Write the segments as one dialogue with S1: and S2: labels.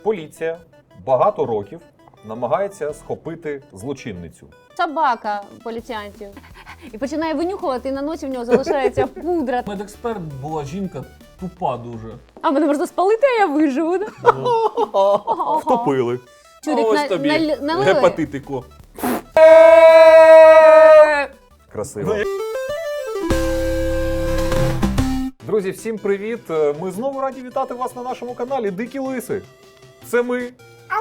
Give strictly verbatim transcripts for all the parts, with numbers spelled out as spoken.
S1: Поліція багато років намагається схопити злочинницю.
S2: Собака поліціянтів. І починає винюхувати, і на носі в нього залишається пудра.
S3: Медексперт була жінка тупа дуже.
S2: А мене можна спалити, а я виживу. Да?
S1: Втопили.
S2: Чурик,
S3: Ось
S2: на,
S3: тобі
S2: на, налили.
S3: гепатитику.
S1: Красиво. Друзі, всім привіт! Ми знову раді вітати вас на нашому каналі Дикі Лиси. Це ми.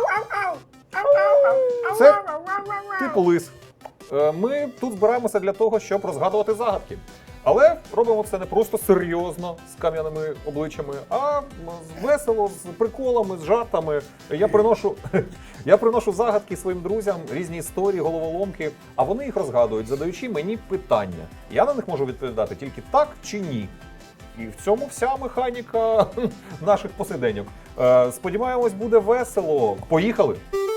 S1: Це типу лис. Ми тут збираємося для того, щоб розгадувати загадки. Але робимо це не просто серйозно, з кам'яними обличчями, а весело, з приколами, з жартами. Я приношу, я приношу загадки своїм друзям, різні історії, головоломки, а вони їх розгадують, задаючи мені питання. Я на них можу відповідати тільки так чи ні. І в цьому вся механіка наших посиденьок. Сподіваємось, буде весело. Поїхали!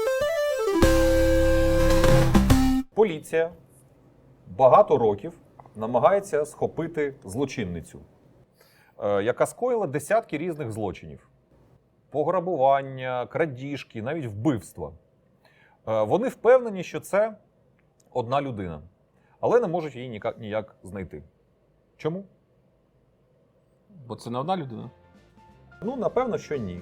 S1: Поліція багато років намагається схопити злочинницю, яка скоїла десятки різних злочинів. Пограбування, крадіжки, навіть вбивства. Вони впевнені, що це одна людина, але не можуть її ніяк, ніяк знайти. Чому?
S3: Бо це не одна людина.
S1: Ну, напевно, що ні.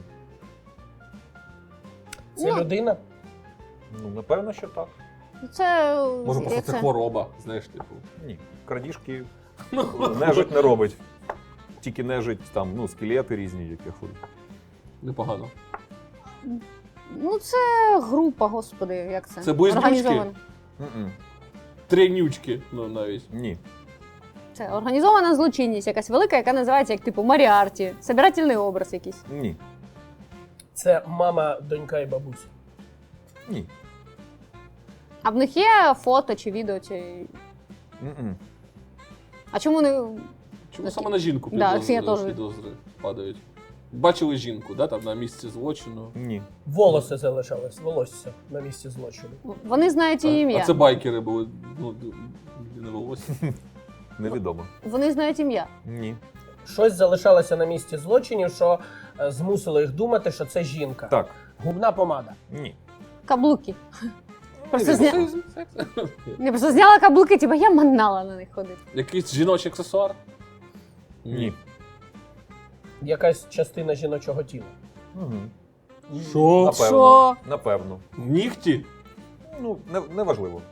S4: Це
S2: Ну.
S4: людина?
S1: Ну, напевно, що так.
S2: Це...
S3: Може, просто
S2: як
S3: це хвороба, знаєш, типу.
S1: Ні. Крадіжки нежить не робить. Тільки нежить там, ну, скелети різні, які ходять.
S3: Непогано.
S2: Ну, це група, господи, як це?
S3: Це близнючки?
S2: Організована.
S1: М-м.
S3: Тренючки, ну навіть.
S1: Ні.
S2: Це організована злочинність, якась велика, яка називається як типу Маріарті. Собирательний образ якийсь.
S1: Ні.
S4: Це мама, донька і бабуся.
S1: Ні.
S2: А в них є фото чи відео, чи.
S1: М-м.
S2: А чому не.
S3: Чому саме на жінку
S2: Да,
S3: підозри,
S2: це я теж.
S3: підозри падають? Бачили жінку, да, там на місці злочину.
S1: Ні.
S4: Волоси залишались, волосся на місці злочину.
S2: Вони знають її
S3: А,
S2: ім'я.
S3: а це байкери були, ну, не волосся.
S1: Невідомо.
S2: Вони знають ім'я.
S1: Ні.
S4: Щось залишалося на місці злочинів, що е, змусило їх думати, що це жінка.
S1: Так.
S4: Губна помада.
S1: Ні.
S2: Каблуки. Просто зня...
S3: Сексизм, секс.
S2: Не, просто зняла каблуки, типу я манала на них ходити.
S3: Якийсь жіночий аксесуар?
S1: Ні.
S4: Якась частина жіночого тіла.
S1: Угу.
S3: Що?
S1: Напевно.
S2: Що?
S1: Напевно.
S3: Нігті?
S1: Ну, не, не важливо.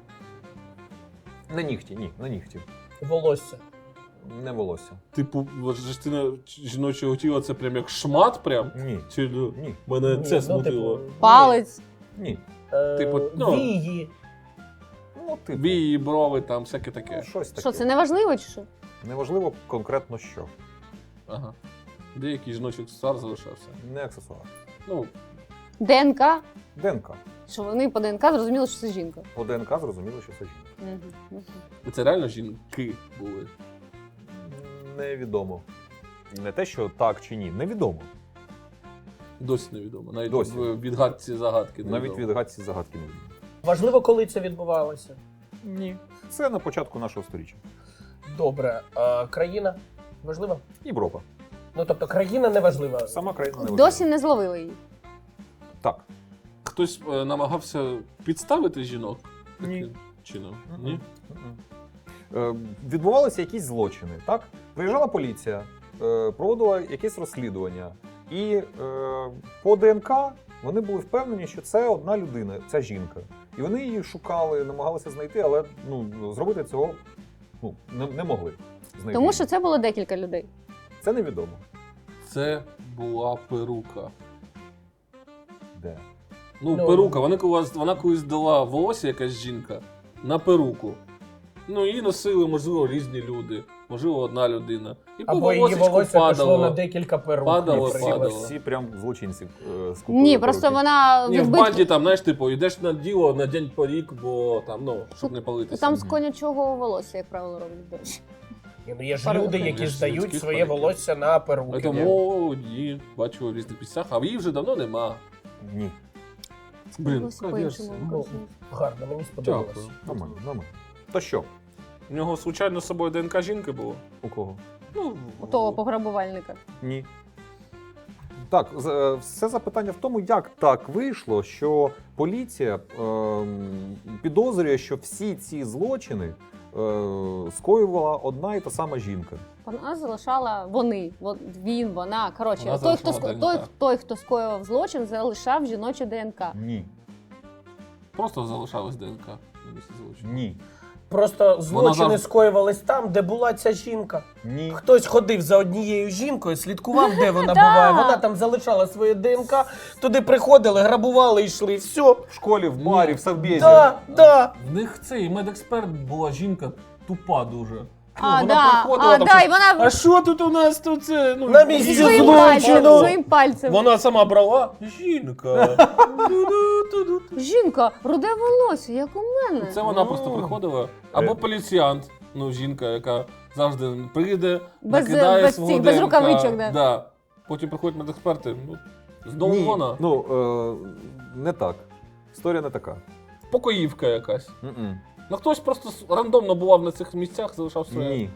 S1: Не нігті, ні, не нігті.
S4: Волосся.
S1: Не волосся.
S3: Типу, от частина жіночого тіла це прям як шмат прям?
S1: Ні.
S3: Чи ну,
S1: Ні.
S3: мене
S4: Ні,
S3: це
S4: ну,
S3: смутило?
S4: типу,
S2: Палець.
S1: Ні.
S4: Е,
S3: Типу, ну.
S4: Вії.
S1: Ну, типу.
S3: Вії, брови, там всяке
S1: Ну,
S3: таке.
S1: щось таке.
S2: Що, це не важливо чи що?
S1: Неважливо конкретно що.
S3: Ага. Деякий жіночий аксесуар залишався.
S1: Не аксесуар.
S3: Ну,
S2: ДНК.
S1: ДНК.
S2: Що вони по ДНК зрозуміли, що це жінка.
S1: По ДНК зрозуміло, що це жінка.
S2: Угу. Угу.
S3: і це реально жінки були.
S1: Невідомо. Не те, що так чи ні. Невідомо.
S3: Досі невідомо. Навіть
S1: Досі.
S3: в відгадці загадки
S1: Навіть
S3: невідомо.
S1: від гадці загадки невідомо.
S4: Важливо, коли це відбувалося.
S1: Ні. Це на початку нашого сторіччя.
S4: Добре. А країна важлива?
S1: Європа.
S4: Ну, тобто, країна не важлива.
S1: Сама країна не важлива.
S2: Досі не зловили її.
S1: Так.
S3: Хтось е, намагався підставити жінок
S1: Ні.
S3: таким чином?
S1: Мгм.
S3: Ні?
S1: Мгм. Е, Відбувалися якісь злочини, так? Приїжджала поліція, е, проводила якесь розслідування. І е, по ДНК вони були впевнені, що це одна людина, ця жінка. І вони її шукали, намагалися знайти, але ну, зробити цього ну, не, не могли. Знайти.
S2: Тому що це було декілька людей.
S1: Це невідомо.
S3: Це була перука.
S1: Де?
S3: Ну,
S4: Ну,
S3: перука. Вона колись, вона колись дала волосся, якась жінка, на перуку. Ну, її носили, можливо, різні люди. Можливо, одна людина. І по
S4: Або її
S3: волосечку
S4: волосся пішло
S3: падало.
S4: на декілька перук.
S3: Падало,
S1: Всі,
S3: падало.
S1: всі прям злочинці е, скупили
S2: Ні, просто
S1: перуки.
S2: вона
S3: Ні, в
S2: відбитки-
S3: банді там, знаєш, типу, йдеш на діло на день порік, бо там, ну, щоб не палитися.
S2: Там з конячого волосся, як правило, роблять, до речі.
S4: Ні, ну, є ж
S2: Перуки.
S4: люди,
S3: Є
S4: які
S3: ж
S4: здають
S3: людських
S4: своє
S3: перуків.
S4: волосся на перуки.
S3: Тому ні, бачу в різних місцях, а її вже давно нема.
S1: Ні.
S3: Блін,
S2: Волосся
S3: яка
S2: по-іншому
S3: версія?
S2: використовують.
S4: Гарно, мені сподобалось.
S3: Дякую.
S1: Нормально, нормально. То що?
S3: У нього, случайно, з собою ДНК жінки було?
S1: У кого?
S3: Ну,
S2: У того пограбувальника.
S1: Ні. Так, з- е, все запитання в тому, як так вийшло, що поліція е, підозрює, що всі ці злочини е, скоювала одна і та сама жінка.
S2: Вона залишала вони, вон- він, вона. Коротше,
S3: Вона
S2: той, хто
S3: залишала
S2: ско- той,
S3: ДНК.
S2: той, хто скоював злочин, залишав жіноче ДНК.
S1: Ні.
S3: Просто залишалась ДНК на місці злочину.
S1: Ні.
S4: Просто злочини
S3: завжди-
S4: скоювались там, де була ця жінка.
S1: Ні.
S4: Хтось ходив за однією жінкою, слідкував, де вона
S2: Да.
S4: буває. Вона там залишала своє ДНК, туди приходили, грабували, йшли, все.
S1: В школі, в барі, в совбезі.
S4: Да, да.
S3: В них цей медексперт була жінка тупа дуже.
S2: А,
S3: вона
S2: да,
S3: приходила,
S2: а,
S3: там
S2: да,
S3: щось,
S2: і вона
S3: а що тут у нас тут це? Ну,
S4: На місці
S2: зі
S3: жінка.
S2: своїм
S4: злочину.
S2: пальцем,
S4: злочину.
S2: своїм пальцем.
S3: Вона сама брала. Жінка. Ту-ду-ту-ду-ту.
S2: Жінка, руде волосся, як у мене.
S3: Це вона
S4: Ну.
S3: просто приходила. Або поліціянт, ну жінка, яка завжди прийде,
S2: Без-
S3: накидає
S2: без
S3: свого
S2: цих, без
S3: ДНК.
S2: рукавичок, да.
S3: Да. Потім приходять медексперти. Ну, знову
S1: Ні.
S3: вона.
S1: Ну, е, не так. Історія не така.
S3: Покоївка якась.
S1: М-м.
S3: Ну хтось просто с- рандомно бував на цих місцях, залишав своє.
S1: Ні.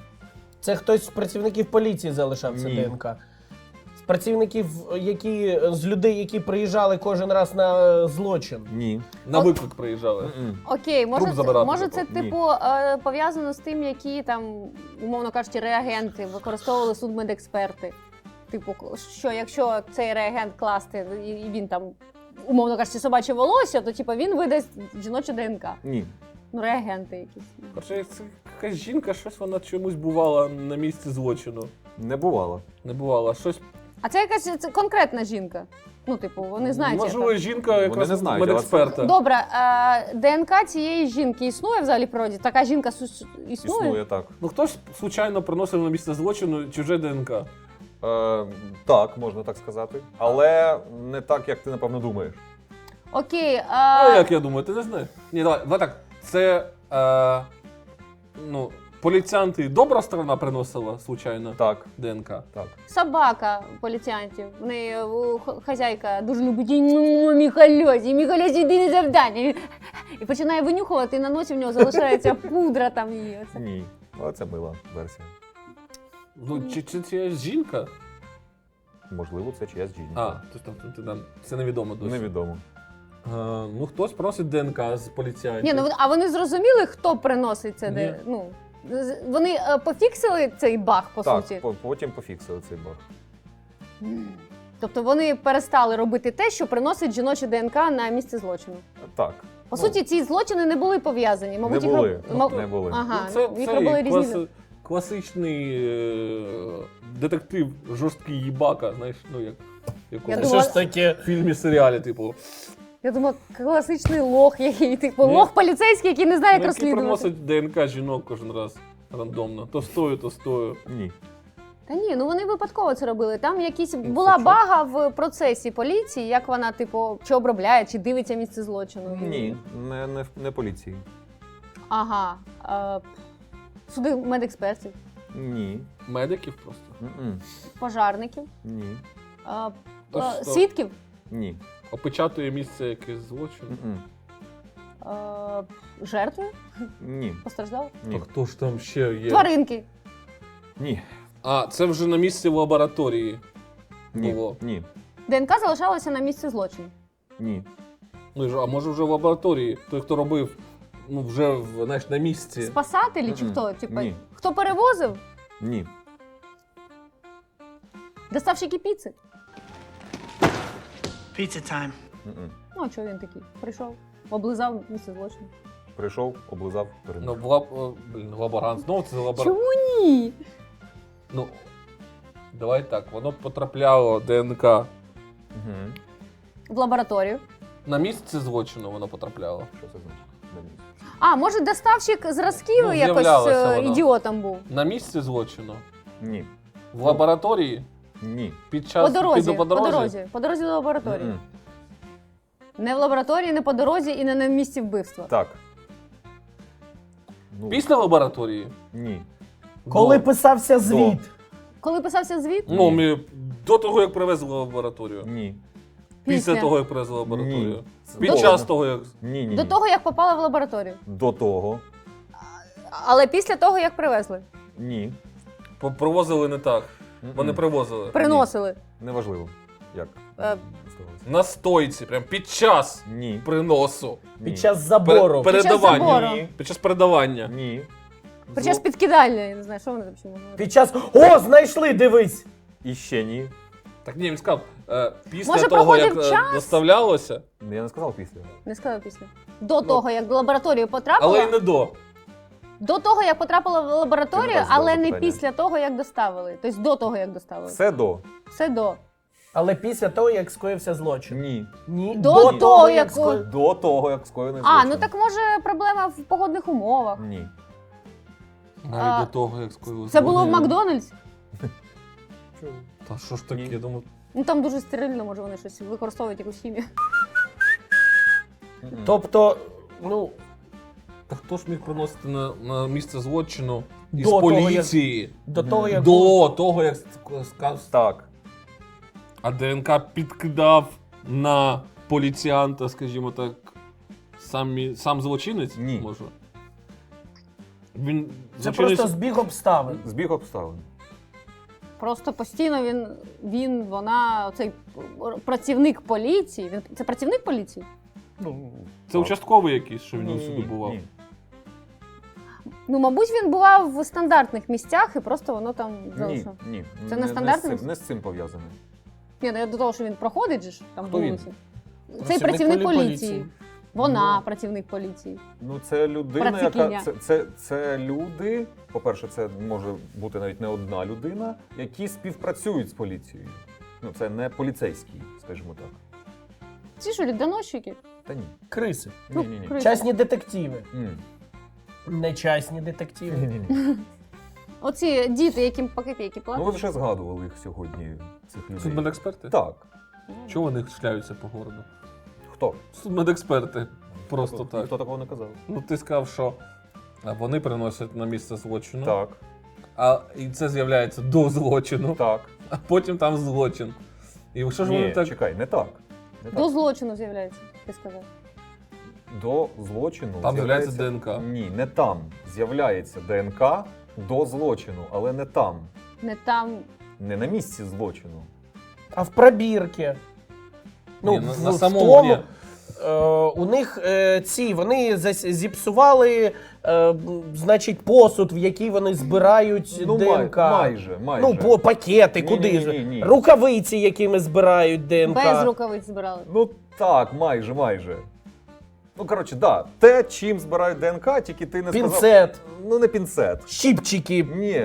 S4: Це хтось з працівників поліції залишав це
S1: Ні.
S4: ДНК. З працівників, які з людей, які приїжджали кожен раз на е, злочин.
S1: Ні.
S3: На виклик приїжджали.
S1: М-м.
S2: Окей, може,
S3: Труп
S2: це,
S3: забирати,
S2: може
S3: типу.
S2: це
S1: Ні.
S2: типу е, пов'язано з тим, які там, умовно кажучи, реагенти використовували судмедексперти. Типу, що якщо цей реагент класти, і і він там, умовно кажучи, собаче волосся, то типу, він видасть жіноче ДНК.
S1: Ні.
S2: Ну, реагенти якісь.
S3: Короче, це якась жінка, щось вона чомусь бувала на місці злочину.
S1: Не бувало.
S3: Не бувала. Щось.
S2: А це якась це конкретна жінка. Ну, типу, вони знають.
S3: Можливо,
S2: яка.
S3: жінка якраз
S1: не знають, але
S3: медексперта.
S2: Добре, е, ДНК цієї жінки існує взагалі в природі? Така жінка су- існує?
S1: Існує так.
S3: Ну хтось случайно приносив на місце злочину чуже ДНК.
S1: Е, так, можна так сказати. Але не так, як ти напевно думаєш.
S2: Окей. Е,
S3: А як я думаю, ти не знаєш? Ні, давай, давай так. Це е, ну, поліціянти добра сторона приносила случайно
S1: Так,
S3: ДНК.
S1: так.
S2: Собака поліціянтів. В неї у, х- хазяйка дуже любить її, «Ну, Міхальосі, Міхальосі, йди на завдання. І починає винюхувати, і на носі в нього залишається пудра там її. Оце.
S1: Ні. Але це мила версія.
S3: Ну, чи, чи це жінка?
S1: Можливо, це чиясь жінка.
S3: А, то, то, то, то, то, це невідомо досі.
S1: Невідомо.
S3: А, ну, хтось просить ДНК з поліціянтів.
S2: Ні, ну а вони зрозуміли, хто приносить це?
S3: Ні.
S2: Де, ну, з- вони е, пофіксили цей баг, по
S1: так,
S2: суті.
S1: по- потім пофіксили цей баг.
S2: Тобто вони перестали робити те, що приносить жіноче ДНК на місце злочину.
S1: Так.
S2: По
S1: Ну,
S2: суті, ці злочини не були пов'язані. Мабуть,
S1: не
S2: їх
S1: були.
S2: роб- мав-
S1: Не були.
S2: Ага,
S3: Ну, це
S2: ну, їх
S3: цей
S2: робили різні.
S3: класи- класичний е, детектив, жорсткий їбака, знаєш, ну як, як
S2: Я
S3: у
S4: Це
S2: думала-
S4: що ж таке?
S3: фільмі, серіалі, типу.
S2: Я думаю, класичний лох, який типу
S3: Ні.
S2: лох поліцейський, який не знає, як
S3: Ну, які
S2: розслідувати.
S3: приносять ДНК жінок кожен раз рандомно. То стою, то стою.
S1: Ні.
S2: Та ні, ну вони випадково це робили. Там якісь
S3: Ну,
S2: була
S3: це чо?
S2: бага в процесі поліції, як вона, типу, чи обробляє, чи дивиться місце злочину.
S1: Ні. Не, не, не поліції.
S2: Ага. Е, суди медекспертів,
S1: Ні.
S3: Медиків просто.
S1: М-м.
S2: пожарників,
S1: Ні.
S2: е,
S3: То
S2: е,
S3: що?
S2: свідків,
S1: Ні.
S3: Опечатує місце якесь злочин.
S1: М-м.
S2: е, жертви,
S1: Ні.
S2: постраждали,
S3: А
S1: Ні.
S3: хто ж там ще є?
S2: тваринки.
S1: Ні.
S3: А, це вже на місці в лабораторії
S1: Ні.
S3: було.
S1: Ні.
S2: ДНК залишалася на місці злочину.
S1: Ні.
S3: Ну, і ж- а може вже в лабораторії? Той, хто робив, ну вже в, знаєш, на місці.
S2: Спасателі чи
S1: Мгм.
S2: хто? Типу,
S1: Ні.
S2: хто перевозив?
S1: Ні.
S2: Доставщики піци.
S5: Pizza time.
S1: М-м.
S2: Ну, а чого він такий? Прийшов, облизав місце злочину.
S1: Прийшов, облизав,
S3: Ну,
S1: переміг.
S3: в лаб... о, блін, лаборант. Знову це лаборант.
S2: Чому ні?
S3: Ну, давай так, воно потрапляло ДНК.
S1: Угу.
S2: В лабораторію.
S3: На місце злочину воно потрапляло.
S1: Що це значить? На місці.
S2: А, може, доставщик зразків
S3: Ну,
S2: якось
S3: з'являлося
S2: е,
S3: воно.
S2: ідіотом був.
S3: На місці злочину.
S1: Ні.
S3: В лабораторії
S1: Ні.
S3: під час
S2: По дорозі,
S3: піду
S2: по дорозі, по дорозі до лабораторії.
S1: М-м.
S2: Не в лабораторії, не по дорозі і не на місці вбивства.
S1: Так. Ну,
S3: Після лабораторії.
S1: Ні.
S4: Коли
S3: До.
S4: писався звіт,
S2: Коли писався звіт,
S3: Ну, ми до того, як привезли в лабораторію.
S1: Ні.
S3: Після
S2: Після.
S3: того, як привезли в лабораторію.
S1: Ні.
S3: Під
S2: До-
S3: час того, як.
S1: Ні, ні.
S2: до
S1: ні.
S2: того, як попала в лабораторію.
S1: До того.
S2: Але після того, як привезли.
S1: Ні.
S3: По- Привозили не так.
S1: М-м.
S3: Вони привозили.
S2: Приносили.
S1: Неважливо. Як?
S2: Е,
S1: здавалося?
S3: На стойці, прям під час
S1: Ні.
S3: приносу.
S1: Ні.
S4: Під час забору.
S3: Пер-
S2: Під час
S3: передавання.
S2: забору.
S1: Ні.
S3: Під час передавання.
S1: Ні.
S2: Під час
S1: Зо-
S2: підкидання, я не знаю, що вони там ще можуть.
S4: Під час. О, знайшли, дивись!
S1: І ще ні.
S3: Так ні, він сказав, е, після
S2: Може,
S3: того, як
S2: проходив
S3: е,
S2: час?
S3: доставлялося,
S1: Я не сказав після.
S2: Не сказала після. До того, як до лабораторії потрапила,
S3: але й не до.
S2: до того, як потрапила в лабораторію,
S1: Ти не так задав
S2: але не
S1: питання.
S2: після того, як доставили. Тобто до того, як доставили.
S1: Все до.
S2: Все до.
S4: Але після того, як скоївся злочин.
S1: Ні.
S4: Ні.
S2: До того, як-
S4: скоїв-
S1: До того, як скоєний
S2: А,
S1: злочин.
S2: ну так може проблема в погодних умовах.
S1: Ні.
S3: Навіть
S2: А,
S3: до того, як скоїлося.
S2: Це було в Макдональдс?
S3: Та що ж таке,
S1: Ні.
S3: я думаю.
S2: Ну там дуже стерильно, може вони щось використовують якусь хімію.
S1: М-м.
S4: Тобто, ну,
S3: Та хто ж міг приносити на, на місце злочину із
S4: До того,
S3: поліції?
S4: до того, як.
S3: До того, як сказав.
S1: Так.
S3: А ДНК підкидав на поліціянта, скажімо так, сам, сам злочинець?
S1: Ні.
S3: Може. Він
S4: Це
S3: злочинець-
S4: просто збіг обставин.
S1: Збіг обставин.
S2: Просто постійно він, він, вона, цей працівник поліції. Він це працівник поліції?
S1: Ну,
S3: Це участковий якийсь, що він
S1: Ні,
S3: сюди бував.
S1: ні.
S2: Ну, мабуть, він бував в стандартних місцях і просто воно там
S1: Ні,
S2: залишило.
S1: ні.
S2: Це
S1: не,
S2: не
S1: не,
S2: стандартне
S1: з цим,
S2: місце?
S1: не з цим пов'язане.
S2: Ні, ну я до того, що він проходить же ж там
S1: Хто він?
S2: вулиці. Цей працівник
S4: полі-
S2: поліції. Вона
S1: Ну.
S2: працівник поліції.
S1: Ну, це людина,
S2: Працикиня.
S1: яка. Це, це, це люди. По-перше, це може бути навіть не одна людина, які співпрацюють з поліцією. Ну, це не поліцейський, скажімо так.
S2: Ці що, доносчики?
S1: Та ні.
S4: Криси.
S2: Ну,
S1: Ні, ні, ні.
S2: криси.
S4: Частні детективи.
S1: Ні.
S4: Не частні детективи.
S1: Ні, ні, ні.
S2: Оці діти, яким по копійки
S1: Ну, ви
S2: платять.
S1: вже згадували їх сьогодні, цих людей.
S3: Судмедексперти?
S1: Так.
S3: Чого вони шляються по городу?
S1: Хто?
S3: Судмедексперти. Просто
S1: Хто-
S3: так.
S1: Ніхто такого не казав.
S3: Ну ти сказав, що а, вони приносять на місце злочину,
S1: Так,
S3: а і це з'являється до злочину,
S1: так.
S3: а потім там злочин. І що ж вони
S1: Ні,
S3: так.
S1: чекай, не так. Не
S2: До
S1: так.
S2: злочину з'являється, ти сказав.
S1: До злочину
S3: Там з'являється ДНК.
S1: Ні, не там. З'являється ДНК до злочину, але не там.
S2: Не там.
S1: Не на місці злочину.
S4: А в пробірки. Ну,
S3: Ні, на,
S4: в-
S3: на
S4: в
S3: самому
S4: тому,
S3: ні.
S4: е, у них е, ці, вони зас- зіпсували, е, м, значить, посуд, в який вони збирають
S1: Ну, май-
S4: ДНК.
S1: майже, майже.
S4: Ну, по пакети,
S1: Ні,
S4: куди
S1: ні,
S4: ж?
S1: ні, ні.
S4: Рукавиці, якими збирають ДНК.
S2: Без рукавиць збирали.
S1: Ну так, майже, майже. Ну, коротше, да. Те, чим збирають ДНК, тільки ти не сказав.
S4: Пінцет,
S1: Ну, не пінцет.
S4: щіпчики.
S1: Ні.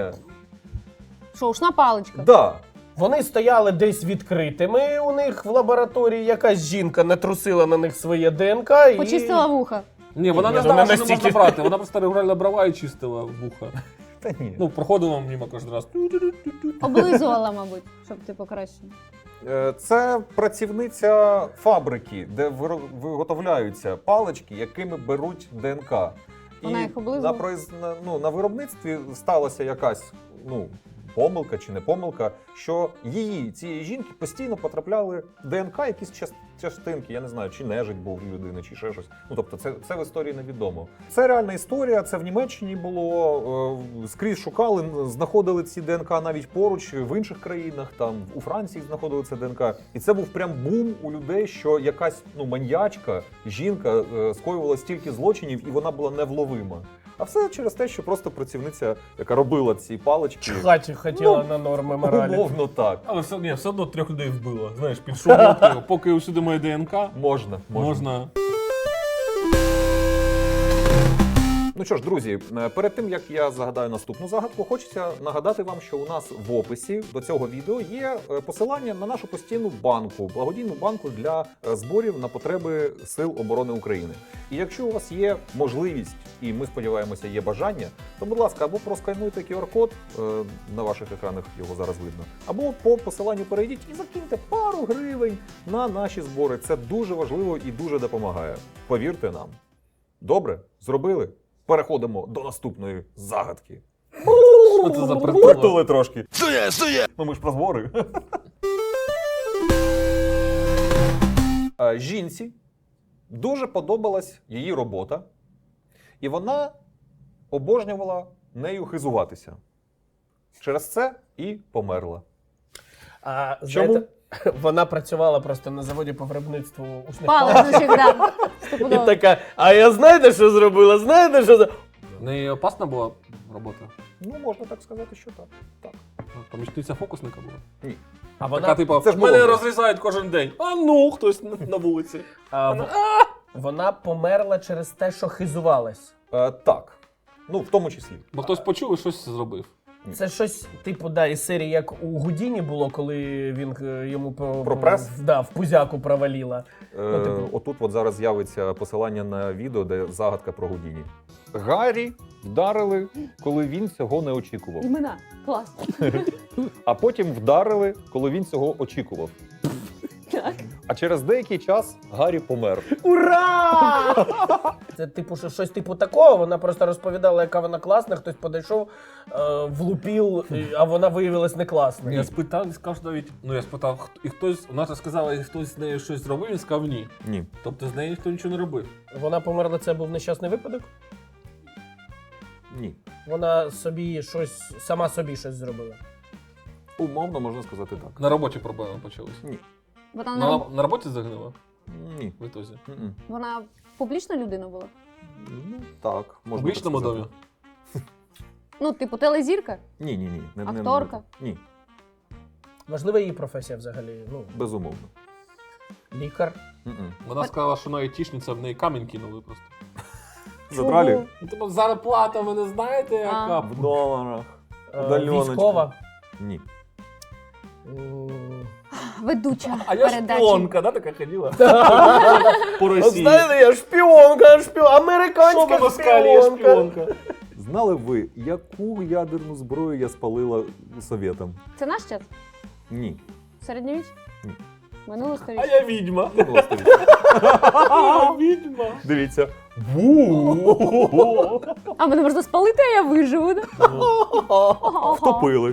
S2: Що, ушна паличка?
S1: Да.
S4: Вони стояли десь відкритими у них в лабораторії. Якась жінка натрусила на них своє ДНК і...
S2: Почистила вуха.
S3: Ні, вона
S4: Ні,
S3: не
S4: ну,
S3: знала,
S4: не
S3: що не можна
S4: настільки.
S3: брати. Вона просто регулярно брала і чистила вуха.
S1: Та ні.
S3: Ну, проходила мимо кожен раз.
S2: Облизувала, мабуть, щоб ти покраще.
S1: Е, Це працівниця фабрики, де виро- виготовляються палички, якими беруть ДНК.
S2: Вона їх облизує?
S1: на, произ- на, ну, на виробництві сталася якась ну, помилка чи не помилка, що її, цієї жінки, постійно потрапляли ДНК, якісь час- частинки, я не знаю, чи нежить був у людини, чи ще щось. Ну, тобто це, це в історії невідомо. Це реальна історія, це в Німеччині було, е, скрізь шукали, знаходили ці ДНК навіть поруч, в інших країнах, там, у Франції знаходили це ДНК. І це був прям бум у людей, що якась ну, маньячка, жінка е, скоювала стільки злочинів, і вона була невловима. А все через те, що просто працівниця, яка робила ці палички,
S4: Чхати хотіла
S1: Ну,
S4: на норми моралі.
S1: умовно так.
S3: Але все, ні, все одно трьох людей вбила. Знаєш, під шумовкою, поки усюди моє ДНК,
S1: Можна, можна.
S3: можна.
S1: Ну що ж, друзі, е, перед тим як я загадаю наступну загадку, хочеться нагадати вам, що у нас в описі до цього відео є е, посилання на нашу постійну банку, благодійну банку для е, зборів на потреби Сил оборони України. І якщо у вас є можливість, і ми сподіваємося, є бажання, то, будь ласка, або проскануйте ку ар-код, е, на ваших екранах його зараз видно, або по посиланню перейдіть і закиньте пару гривень на наші збори. Це дуже важливо і дуже допомагає. Повірте нам. Добре, зробили? Переходимо до наступної загадки.
S3: Що це за притула?
S1: Притули трошки. Сує, сує! Ну ми ж про збори. Е, Жінці дуже подобалась її робота, і вона обожнювала нею хизуватися. Через це і померла.
S4: А,
S1: Чому?
S4: знаєте, Вона працювала просто на заводі по виробництву ушних
S2: Паличок, да.
S4: І
S2: Стопудово.
S4: така, а я знаєте, що зробила? Знаєте, що зробила?
S3: Не опасна була робота?
S1: Ну, можна так сказати, що так. Так.
S3: Помічниця фокусника була?
S4: А
S3: Така,
S4: вона,
S3: типу,
S1: це ж
S3: мене
S1: молодість.
S3: розрізають кожен день. А ну, хтось на, на вулиці.
S4: а, в- вона померла через те, що хизувалась.
S1: Е, так. Ну, в тому числі.
S3: Бо хтось почув і щось зробив.
S4: Це щось, типу, да, із серії, як у Гудіні було, коли він е, йому по,
S1: Про прес?
S4: в- да, в пузяку проваліла.
S1: Е,
S4: Ну, типу.
S1: Отут от зараз з'явиться посилання на відео, де загадка про Гудіні. Гаррі вдарили, коли він цього не очікував.
S2: Імена. Клас.
S1: А потім вдарили, коли він цього очікував.
S2: Так.
S1: А через деякий час Гаррі помер.
S4: Ура! Це типу, що щось типу такого. Вона просто розповідала, яка вона класна, хтось подійшов, е, влупив, і- а вона виявилась не класною.
S3: Я спитав, він сказав навіть, ну я спитав, хто- і хтось, вона ж сказала, і хтось з нею щось зробив, він сказав ні.
S1: Ні.
S3: Тобто з нею ніхто нічого не робив.
S4: Вона померла, це був нещасний випадок.
S1: Ні.
S4: Вона собі щось, сама собі щось зробила.
S1: Умовно можна сказати так.
S3: На роботі проблеми почалися.
S1: Ні.
S2: Вона,
S3: На,
S2: на...
S3: на роботі загинула
S1: Ні.
S3: в ітозі.
S1: М-м.
S2: Вона публічна людина була?
S1: Ну, так.
S3: В
S1: Можна
S3: публічному
S1: так
S3: домі.
S1: сказати.
S2: Ну, типу, телезірка?
S1: Ні, ні, ні. Не, не-
S2: Акторка?
S1: Ні,
S4: Важлива її професія взагалі. Ну,
S1: безумовно.
S4: лікар.
S1: М-м.
S3: Вона сказала, що вона айтішниця, в неї камінь кинули просто.
S1: Задралі?
S3: Ну, Тобто зарплата, ви не знаєте, яка?
S1: В доларах.
S4: Е,
S1: Удальоночка.
S4: Військова.
S1: Ні.
S4: М.
S2: Ведуча
S3: А я
S2: передачі.
S3: шпіонка, да, така ходила? По
S4: От
S3: Росії.
S4: знаєте, я шпіонка, шпіон, американська
S3: Що на москалі, я
S4: шпіонка.
S3: шпіонка.
S1: Знали б ви, яку ядерну зброю я спалила совєтам?
S2: Це наш час?
S1: Ні.
S2: Середньовіч?
S1: Ні.
S2: Минуле
S3: А
S2: сторіччя?
S3: я відьма.
S1: Минуле сторіччя.
S3: А, відьма.
S1: Дивіться. Ву!
S2: А мене можна спалити, а я виживу, да?
S1: Втопили.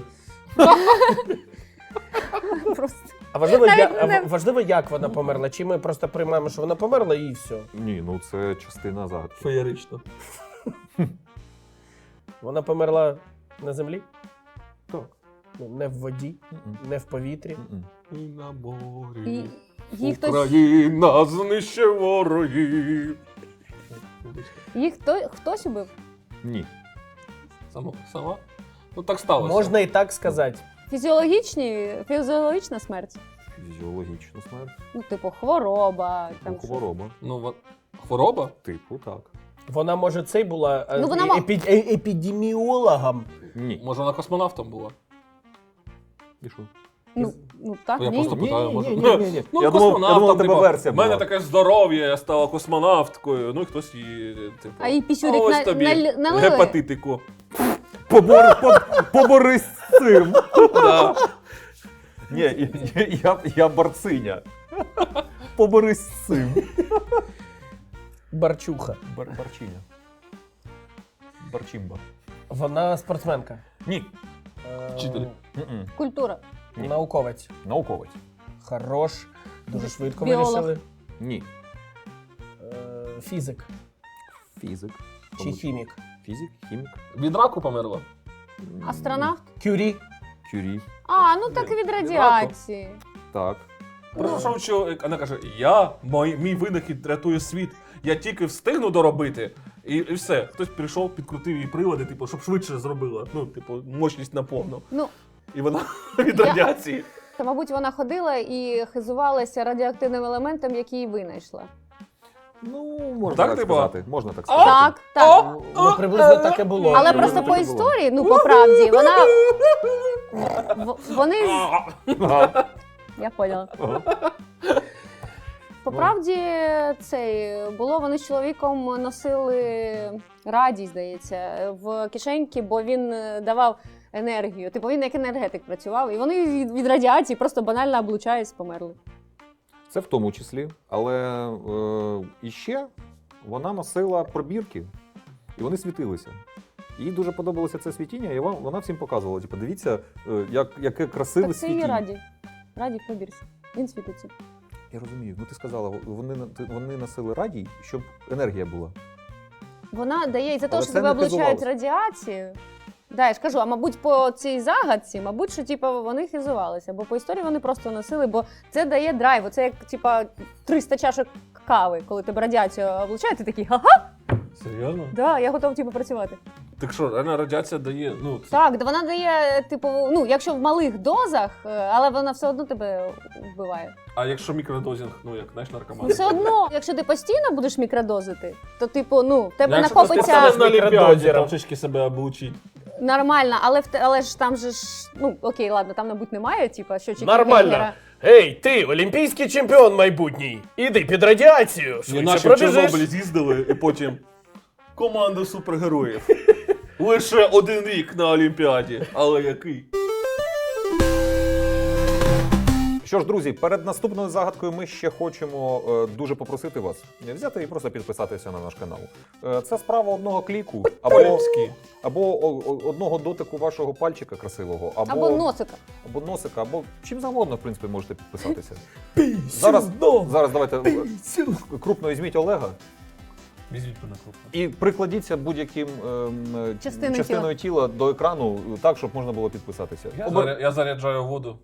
S2: Просто.
S4: А важливо,
S2: Навіть
S4: я,
S2: не-
S4: а важливо, як вона померла? Чи ми просто приймаємо, що вона померла і все?
S1: Ні, ну це частина загадки.
S3: Феєрично.
S4: Вона померла на землі?
S1: Так.
S4: Ну, не в воді,
S1: М-м.
S4: не в повітрі.
S1: М-м.
S3: І на
S2: І
S3: морі.
S2: її хтось,
S3: Україна знищує ворогів.
S2: їх хто, хтось убив?
S1: Ні.
S3: Сама? Сама? Ну так сталося.
S4: Можна і так сказати.
S2: Фізіологічні, фізіологічна смерть.
S1: Фізіологічна смерть.
S2: Ну, типу, хвороба. Там
S1: Ну,
S2: щось.
S1: хвороба.
S3: Ну, во- хвороба?
S1: Типу, так.
S4: Вона, може, цей була е,
S2: Ну, вона
S4: е-
S2: мо-
S4: епі- е- епідеміологом.
S1: Ні.
S3: Може, вона космонавтом була?
S1: І що?
S2: Ну, ну так,
S3: Я
S2: ні.
S3: просто питаю,
S1: Ні,
S3: може.
S1: ні, ні, ні, ні.
S3: Ну,
S1: Я думав, я
S3: космонавтом,
S1: думав, у тебе
S3: типу,
S1: версія
S3: в мене
S1: була.
S3: таке здоров'я, я стала космонавткою. Ну і хтось її, типу.
S2: А їй пісюрик
S3: ось
S2: на-
S3: тобі
S2: наль- налили?
S3: гепатитику.
S1: Побор, по- поборись з цим.
S3: Да.
S1: Ні, я, я, я борциня. Поборись з цим.
S4: Барчуха.
S1: Бар, барчиня. Барчимба.
S4: Вона спортсменка.
S1: Ні.
S4: Е,
S3: Вчитель.
S1: М-м.
S2: Культура.
S1: Ні.
S4: Науковець.
S1: Науковець.
S4: Хорош. Дуже швидко
S2: Біолог.
S4: вирішили.
S1: Ні.
S4: Е, Фізик.
S1: Фізик.
S4: Чи хімік.
S1: Фізик, хімік.
S3: Від раку померла.
S2: Астронавт?
S4: Кюрі.
S1: Кюрі.
S2: А, ну так
S3: Ні,
S2: від
S3: від
S2: радіації.
S1: Так.
S3: Прийшов чоловік, вона каже, я, мій, мій винахід рятує світ, я тільки встигну доробити. І, і все. Хтось прийшов, підкрутив її прилади, типу, щоб швидше зробила. Ну, типу, мощність наповну.
S2: Ну,
S3: І вона від
S2: Я-
S3: радіації.
S2: та, мабуть, вона ходила і хизувалася радіоактивним елементом, який її винайшла.
S1: Ну, можна
S3: Так,
S1: так,
S3: типу?
S1: сказати. Можна так сказати.
S2: Так, так.
S4: Ну, ну, приблизно так і було.
S2: Але
S1: Ну,
S2: просто
S1: так
S2: по
S1: і було.
S2: історії, ну по правді, вона. В- Вони.
S1: Ага.
S2: Я поняла.
S1: Ага.
S2: По правді, цей було, вони з чоловіком носили радій, здається, в кишеньки, бо він е, давав енергію. Типу він як енергетик працював, і вони від, від радіації просто банально облучаюсь, померли.
S1: Це в тому числі. Але е, іще вона носила пробірки, і вони світилися. Їй дуже подобалося це світіння, і вона, вона всім показувала. Типу, дивіться, е, як, яке красиве
S2: Так це її
S1: світіння.
S2: радій. Радій пробірся. Він світиться.
S1: Я розумію. Ну ти сказала, вони, на- ти- вони носили радій, щоб енергія була.
S2: Вона дає, і за те,
S1: Але
S2: що
S1: це
S2: тебе
S1: не
S2: облучають
S1: хизувалося.
S2: радіацією, Да, я ж кажу, а мабуть, по цій загадці, мабуть, що типу, вони хизувалися, бо по історії вони просто носили, бо це дає драйв. Це як типа триста чашок кави, коли тебе радіацію облучає, ти такий ха-ха,
S3: Серйозно?
S2: да, я готов типу, працювати.
S3: Так що, реально радіація дає, ну, це...
S2: Так, да вона дає, типу, ну, якщо в малих дозах, е, але вона все одно тебе вбиває.
S3: А якщо мікродозінг, ну, як, знаєш,
S2: Ну,
S3: наркоман?
S2: все одно, якщо ти постійно будеш мікродозити, то, типу, ну, в тебе
S3: Якщо ти
S2: накопиться
S3: станеш на Олімпіаді,
S4: мікродозером.
S3: там трішки себе облучить.
S2: нормально, але, в те- але ж там же ж, ну, окей, ладно, там, мабуть, немає, типу, щочиків
S4: Нормально.
S2: Гейгера.
S4: Ей, ти, олімпійський чемпіон майбутній. Іди під радіацію.
S3: Ні,
S4: Швидше
S3: наші в Чорнобилі
S4: пробіжиш.
S3: з'їздили, і потім команда супергероїв. Лише один рік на Олімпіаді, але який?
S1: Що ж, друзі, перед наступною загадкою ми ще хочемо е, дуже попросити вас взяти і просто підписатися на наш канал. Е, це справа одного кліку або,
S3: Поліпський.
S1: або о- о- одного дотику вашого пальчика красивого, або,
S2: Або носика.
S1: або носика, або чим завгодно, в принципі, можете підписатися.
S4: Пісюно.
S1: Зараз, зараз давайте е, крупно візьміть Олега
S3: Візьміть мене крупно.
S1: і прикладіться будь-яким ем, е,
S2: Частиною
S1: частиною тіла до екрану так, щоб можна було підписатися.
S3: Я,
S1: Обер-
S3: заря- я заряджаю воду.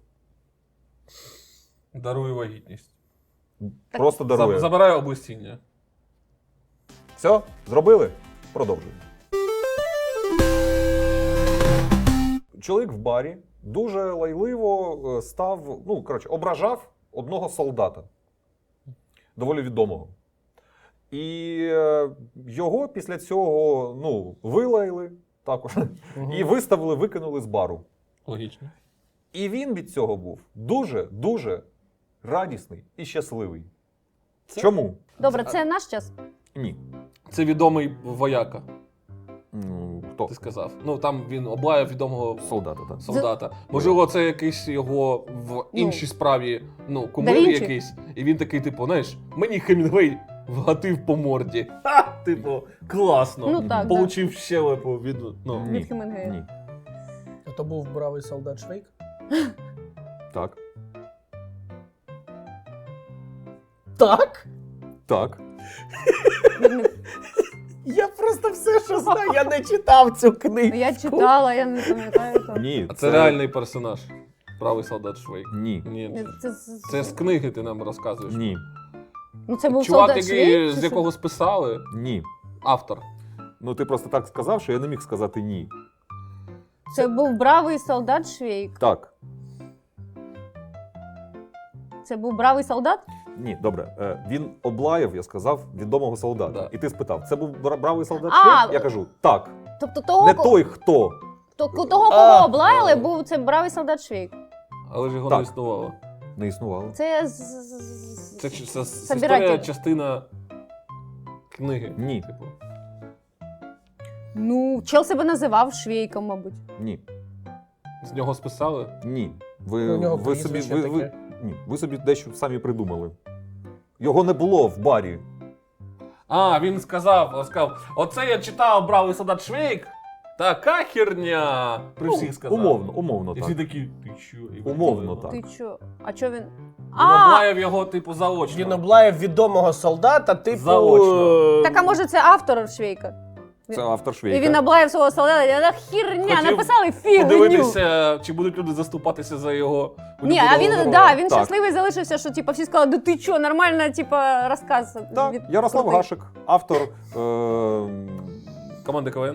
S3: Дарую вагітність.
S1: Просто дарує.
S3: Заб- Забираю облесіння.
S1: Все, зробили? Продовжуємо. Чоловік в барі дуже лайливо е, став, ну, коротше, ображав одного солдата, доволі відомого. І е, його після цього, ну, вилаяли також, і виставили, викинули з бару.
S3: Логічно.
S1: І він від цього був дуже-дуже радісний і щасливий. Чому?
S2: Добре, це наш час.
S1: Ні.
S3: Це відомий вояка,
S1: Ну, хто?
S3: ти сказав. Ну там він облаяв відомого
S1: Солдата, так.
S3: солдата. Можливо, це якийсь його в іншій справі, ну, кумир
S2: Да Вінчі.
S3: якийсь. І він такий, типу, знаєш, мені Хемінгвей вгатив по морді. Ха! Типу, класно.
S2: Ну так, да.
S3: Получив щелепу від, ну,
S1: Ні.
S2: Від Хемінгуея.
S1: Ні.
S4: А то був бравий солдат Швейк.
S1: Так.
S4: Так?
S1: Так.
S4: Я просто все, що знаю, я не читав цю книгу.
S2: Ну, я читала, я не пам'ятаю. то.
S1: Ні.
S3: А це реальний персонаж. Правий солдат Швейк.
S1: Ні.
S3: Ні.
S2: Це, з-
S3: Це з книги ти нам розказуєш.
S1: Ні.
S2: ну, це був
S3: Чувак,
S2: солдат
S3: який,
S2: Швейк,
S3: з
S2: чи
S3: якого списали,
S1: Ні.
S3: автор.
S1: Ну ти просто так сказав, що я не міг сказати ні.
S2: що? Це був бравий солдат Швейк.
S1: Так.
S2: Це був бравий солдат?
S1: Ні, добре. Е, він облаяв, я сказав, відомого солдата.
S3: Да.
S1: І ти спитав, це був бра- бравий солдат
S2: А,
S1: Швейк? Я кажу, так.
S2: Тобто того,
S1: Не
S2: ко-
S1: той, хто.
S2: то- того кого
S4: А.
S2: облаяли, був це бравий солдат Швейк.
S3: Але ж його
S1: Так.
S3: не існувало.
S1: Не існувало.
S2: Це з- з- з-
S3: Це, ч- це, це
S2: Собиратель.
S3: історія, частина книги.
S1: Ні.
S3: Типу.
S2: Ну, чел себе називав Швейком, мабуть.
S1: Ні.
S3: З нього списали.
S1: Ні. Ви,
S4: У нього
S1: ви, собі,
S4: прізвище
S1: ви, ви,
S4: таке.
S1: ні. ви собі дещо самі придумали. Його не було в барі.
S3: А, він сказав, сказав, оце я читав бравий солдат Швейк. Така херня. При
S1: Ну,
S3: всіх сказав.
S1: Умовно, умовно
S3: І всі
S1: так.
S3: такі, ти що? І
S1: Умовно
S3: викинули його.
S1: так.
S2: Ти чо? А чо він?
S3: Він
S2: А,
S3: облаяв його, типу, заочно.
S4: Він облаяв відомого солдата, типу.
S3: Заочно.
S4: е,
S2: так а може це автор Швейка?
S1: Це автор
S2: І
S1: Швейка.
S2: він облаяв свого солдата, я так херня,
S3: Хотів
S2: написали фігню.
S3: Подивитися, чи будуть люди заступатися за його.
S2: Ні, а він,
S3: улюбленого
S2: да,
S3: героя.
S2: він
S1: Так.
S2: щасливий залишився, що типу, всі сказали, да ти чо, нормально, типу, розказ.
S1: Так,
S2: від-
S1: Ярослав
S2: крутий.
S1: Гашик, автор е-
S3: Команди КВН.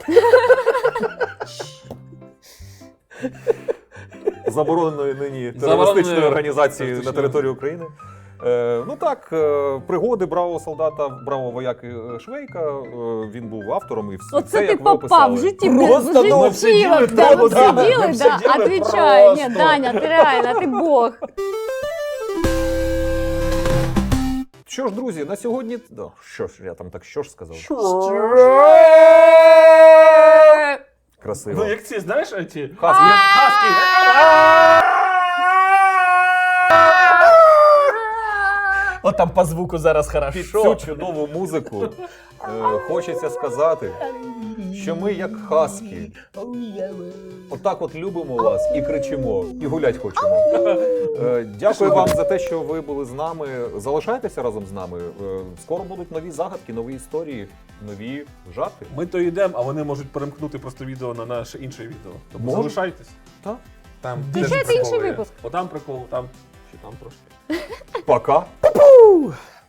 S1: забороненої нині
S3: Забороненої
S1: терористичної організації на
S3: терористичної.
S1: території України. Е, ну так, е, пригоди бравого солдата, бравого вояки е, Швейка. е, він був автором і все,
S2: Оце ти
S1: як ви
S2: попав
S1: описали.
S2: в житті,
S4: Просто,
S2: в
S4: ну,
S2: житті,
S4: обсиділи
S2: да,
S4: тому,
S2: ви
S4: да,
S2: обсиділи,
S4: ми
S2: да,
S4: обсиділи
S2: отвечай, ні,
S4: просто.
S2: Даня, ти реально, ти бог.
S1: Що ж, друзі, на сьогодні. Да, що ж, я там так що ж сказав? Красиво.
S3: Ну, як ці, знаєш, ці...
S1: Хаски.
S3: Хаски.
S4: От там по звуку зараз
S1: Під
S4: хорошо.
S1: цю чудову музику е, хочеться сказати, що ми як хаски. Отак от любимо вас і кричимо, і гулять хочемо. Е, Дякую вам за те, що ви були з нами. Залишайтеся разом з нами. Е, Скоро будуть нові загадки, нові історії, нові жарти.
S3: Ми то йдемо, а вони можуть перемкнути просто відео на наше інше відео. Тому
S1: Можуть.
S3: залишайтесь.
S1: Так.
S3: Там
S2: Включайте
S3: теж
S2: інший
S3: приколи є.
S2: випуск.
S3: Отам прикол, там ще там трошки.
S1: Пока.